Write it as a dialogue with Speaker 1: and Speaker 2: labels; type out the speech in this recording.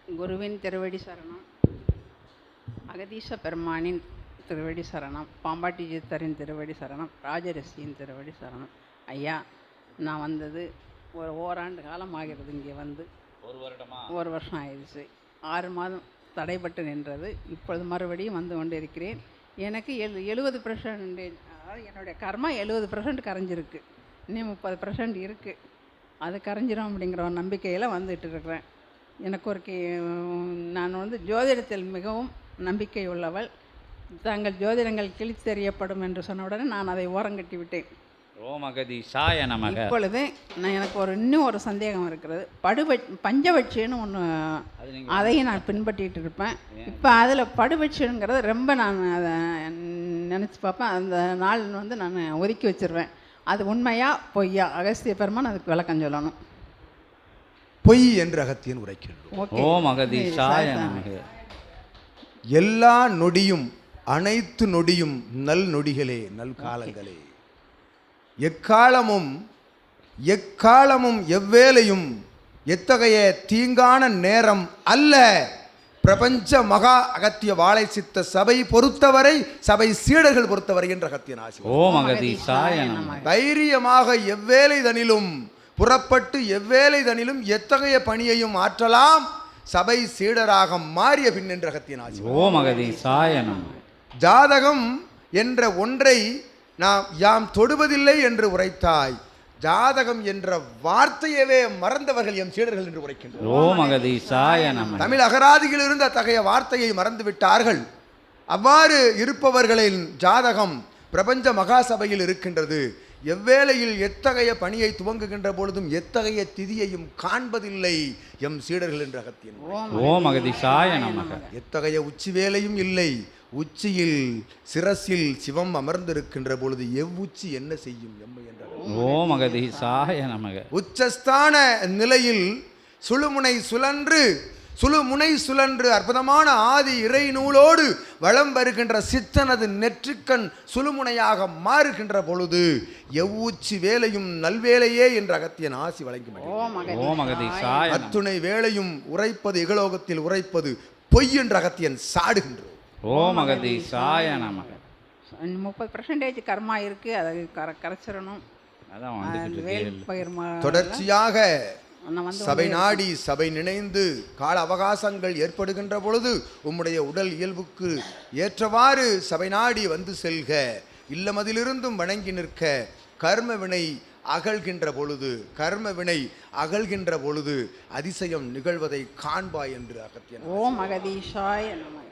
Speaker 1: குருவின் திருவடி சரணம், அகதீச பெருமானின் திருவடி சரணம், பாம்பாட்டி சித்தரின் திருவடி சரணம், ராஜரிஷியின் திருவடி சரணம். ஐயா, நான் வந்தது ஒரு ஓராண்டு காலம் ஆகிறது. இங்கே வந்து ஒரு வருஷம் ஆயிடுச்சு. 6 மாதம் தடைப்பட்டு நின்றது. இப்பொழுது மறுபடியும் வந்து கொண்டு இருக்கிறேன். எனக்கு 70%, அதாவது என்னுடைய கர்மா 70% கரைஞ்சிருக்கு. இன்னும் 30% இருக்குது. அது கரைஞ்சிரும் அப்படிங்கிற ஒரு நம்பிக்கையில் வந்துட்டு இருக்கிறேன். எனக்கு ஒரு நான் வந்து ஜோதிடத்தில் மிகவும் நம்பிக்கை உள்ளவள். தங்கள் ஜோதிடங்கள் கிழித்தெறியப்படும் என்று சொன்ன உடனே நான் அதை ஓரங்கட்டி விட்டேன்.
Speaker 2: ஓமகதீசாய நமக.
Speaker 1: இப்பொழுது எனக்கு இன்னும் ஒரு சந்தேகம் இருக்கிறது. பஞ்சபட்சின்னு ஒன்று, அதையும் நான் பின்பற்றிட்டு இருப்பேன். இப்போ அதில் படுபட்சிங்கிறது ரொம்ப நான் அதை நினச்சி பார்ப்பேன். அந்த நாள் வந்து நான் ஒதுக்கி வச்சிருவேன். அது உண்மையா பொய்யா? அகஸ்திய பெருமான் அதுக்கு விளக்கம் சொல்லணும்.
Speaker 3: பொய் என்று அகத்தியன் உரைக்கின்றோம்.
Speaker 2: ஓம் அகதீசாய நமக.
Speaker 3: எல்லா நொடியும், அனைத்து நொடியும் நல் நொடிகளே, நல் காலங்களே. எக்காலமும் எவ்வேளையும் எத்தகைய தீங்கான நேரம் அல்ல. பிரபஞ்ச மகா அகத்திய வாழை சித்த சபை பொறுத்தவரை, சபை சீடர்கள் பொறுத்தவரை என்ற அகத்தியன் ஆசி.
Speaker 2: ஓம் அகதீசாய நமக.
Speaker 3: தைரியமாக எவ்வேளை தனிலும் புறப்பட்டு எவ்வேளை தனிலும் எத்தகைய பணியையும் ஆற்றலாம். சபை சீடராக மாறிய பின் என்ற அகத்தியன் ஆசி.
Speaker 2: ஓம் அகதீசாய நமக.
Speaker 3: ஜாதகம் என்ற ஒன்றை யாம் தொடுவதில்லை என்று உரைத்தாய். ஜாதகம் என்ற வார்த்தையவே மறந்தவர்கள் எம் சீடர்கள் என்று உரைக்கின்றனர்.
Speaker 2: ஓம் அகதீசாய நமக.
Speaker 3: தமிழ் அகராதியில் இருந்த அத்தகைய வார்த்தையை மறந்து விட்டார்கள். அவ்வாறு இருப்பவர்களின் ஜாதகம் பிரபஞ்ச மகாசபையில் இருக்கின்றது. எவ்வேளையில் எத்தகைய பணியை துவங்குகின்ற பொழுதும் எத்தகைய திதியையும் காண்பதில்லை எம் சீடர்கள் என்று அகத்தியன்.
Speaker 2: ஓம் அகதீசாய நமக.
Speaker 3: எத்தகைய உச்சி வேலையும் இல்லை. உச்சியில் சிரசில் சிவம் அமர்ந்திருக்கின்ற பொழுது எவ்வுச்சி என்ன செய்யும் எம்மை என்ற.
Speaker 2: ஓம் அகதீசாய நமக.
Speaker 3: உச்சஸ்தான நிலையில் சுழுமுனை சுழன்று அற்புதமான ஆதி இறை நூலோடு வளம் வருகின்ற சித்தனது நெற்றிக்கண் சுழுமுனையாக மாறுகின்ற பொழுது எவ்வுச்சி வேலையும் நல்வேலையே என்ற அகத்தியன் ஆசி வழங்கி.
Speaker 2: ஓம் அகதீசாய.
Speaker 3: அத்துணை வேலையும் உரைப்பது இகலோகத்தில் உரைப்பது பொய் என்ற அகத்தியன் சாடுகின்றோம்.
Speaker 2: ஓம் அகதீசாய நமக.
Speaker 1: 30% கர்மா இருக்கு, அதை கரைச்சிடணும்.
Speaker 3: தொடர்ச்சியாக சபை நாடி சபை நினைந்து கால அவகாசங்கள் ஏற்படுகின்ற பொழுது உம்முடைய உடல் இயல்புக்கு ஏற்றவாறு சபை நாடி வந்து செல்க. இல்லமதிலிருந்தும் வணங்கி நிற்க. கர்ம வினை அகழ்கின்ற பொழுது அதிசயம் நிகழ்வதை காண்பாய் என்று அகத்தியன்.
Speaker 1: ஓம் அகதீசாய நமக.